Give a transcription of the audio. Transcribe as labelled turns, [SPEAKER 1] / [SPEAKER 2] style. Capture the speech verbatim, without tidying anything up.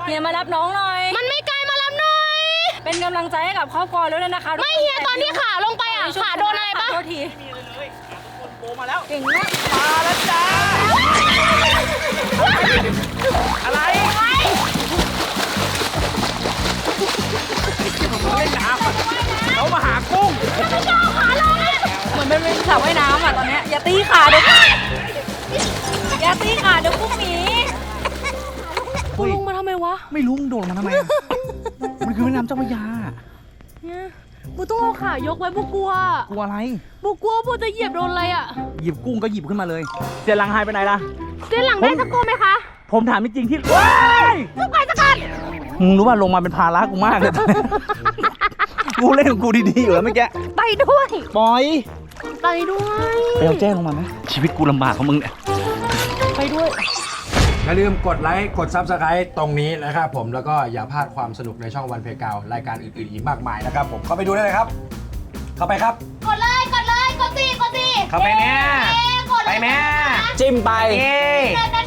[SPEAKER 1] เฮียมารับน้องหน่อย
[SPEAKER 2] มันไม่ไกลมารับหน่อย
[SPEAKER 1] เป็นกำลังใจให้กับครอบครัวแล้วนะคะ
[SPEAKER 2] ไม่เฮียตอนที่ขาลงไปอ่ะขาโดนอะไรปะ
[SPEAKER 1] โทษที
[SPEAKER 3] โบมาแล้ว
[SPEAKER 1] เก่งมาก
[SPEAKER 3] มาแล้วจ้าอะไรเขาเล่นน้ำเขามาหากุ้ง
[SPEAKER 1] เหมือนเป็นสระว่ายน้ำอ่ะตอนเนี้ยอย่าตีขาเดี๋ยวอย่าตีขาเดี๋ยวกุ้งหนีกูลงมาทำไมวะ
[SPEAKER 3] ไม่รู้มึงโดดมาทำไมมันคือแม่น้ำเจ้าพระยา
[SPEAKER 2] เนี่ยกูต้องเอาขายกไว้พวกกลัว
[SPEAKER 3] กลัวอะไร
[SPEAKER 2] พวกกลัวพวกจะเหยียบโดนอะไรอ่ะ
[SPEAKER 3] หยิบกุ้งก็หยิบขึ้นมาเลยเสียหลังหายไปไหนล่ะ
[SPEAKER 2] เส้นหลังได้สักตัวไหมคะ
[SPEAKER 3] ผมถามจริงๆที่ว้าย
[SPEAKER 2] ทุกใครสักคน
[SPEAKER 3] มึงรู้ว่าลงมาเป็นภาระกูมากเลยกูเล่นของกูดีๆอยู่แล้วเมื่อกี้
[SPEAKER 2] ไปด้วย
[SPEAKER 3] ปล่อย
[SPEAKER 2] ไปด้วย
[SPEAKER 3] ไปเอาแจ้งลงมาไหมชีวิตกูลำบากของมึงเนี่ย
[SPEAKER 2] ไปด้วย
[SPEAKER 4] อย่าลืมกดไลค์กด ซับสไครบ์ ตรงนี้นะครับผมแล้วก็อย่าพลาดความสนุกในช่องวันเพกาวรายการอื่นๆอีกมากมายนะครับผมเข้าไปดูได้เลยครับเข้าไปครับ
[SPEAKER 2] กดเลยกดเลยกดสิกดสิ
[SPEAKER 3] เข้าไปแม่
[SPEAKER 2] ไปแม่
[SPEAKER 3] จิ้มไป